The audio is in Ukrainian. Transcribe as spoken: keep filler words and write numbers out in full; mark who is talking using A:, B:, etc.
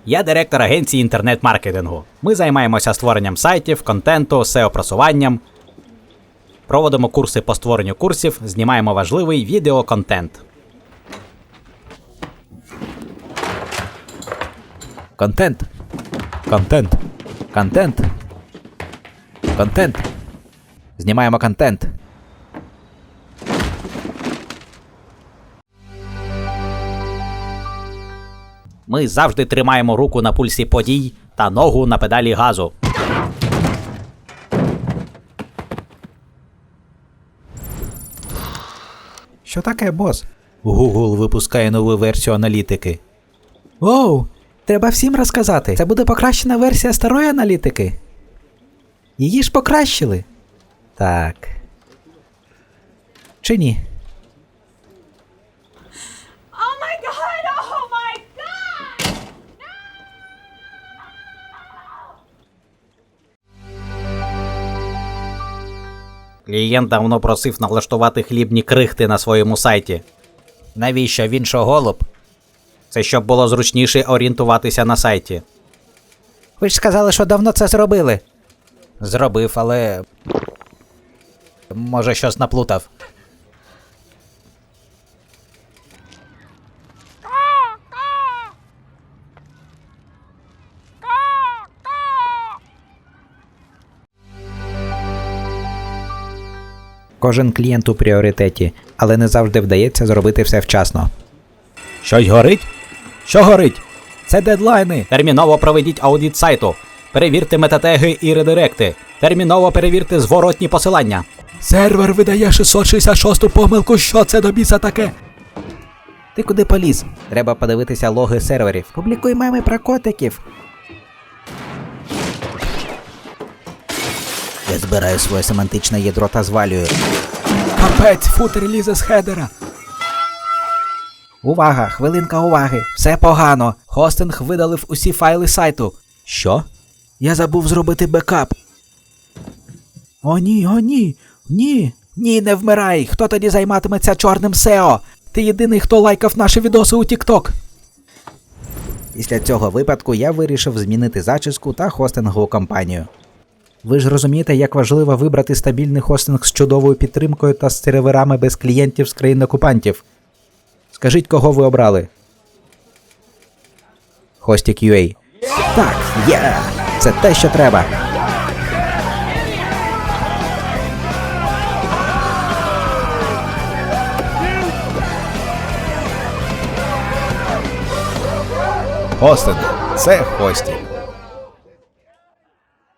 A: Я директор агенції інтернет-маркетингу. Ми займаємося створенням сайтів, контенту, сео-просуванням. Проводимо курси по створенню курсів, знімаємо важливий відеоконтент.
B: Контент. Контент. Контент. Контент. Знімаємо контент.
A: Ми завжди тримаємо руку на пульсі подій та ногу на педалі газу.
B: Що таке, бос? Google випускає нову версію аналітики. Оу, треба всім розказати. Це буде покращена версія старої аналітики. Її ж покращили. Так. Чи ні?
C: Oh my god! Oh my god!
A: Клієнт давно просив налаштувати хлібні крихти на своєму сайті. Навіщо? Він що, голуб? Це щоб було зручніше орієнтуватися на сайті.
B: Ви ж сказали, що давно це зробили.
A: Зробив, але... може щось наплутав.
B: Кожен клієнт у пріоритеті, але не завжди вдається зробити все вчасно.
A: Щось горить? Що горить? Це дедлайни. Терміново проведіть аудит сайту. Перевірте метатеги і редиректи. Терміново перевірте зворотні посилання.
B: Сервер видає шістсот шістдесят шосту помилку, що це до біса таке? Ти куди поліз? Треба подивитися логи серверів. Публікуй меми про котиків. Я збираю своє семантичне ядро та звалюю. Капець, футер лізе з хедера. Увага, хвилинка уваги. Все погано. Хостинг видалив усі файли сайту. Що? Я забув зробити бекап. О ні, о ні, ні, ні, не вмирай. Хто тоді займатиметься чорним сео? Ти єдиний, хто лайкав наші відоси у TikTok. Після цього випадку я вирішив змінити зачіску та хостингову компанію. Ви ж розумієте, як важливо вибрати стабільний хостинг з чудовою підтримкою та з серверами без клієнтів з країн-окупантів. Скажіть, кого ви обрали? Hostik.ua. Так, є! Yeah! Це те, що треба.
D: Хостинг – це Hostik.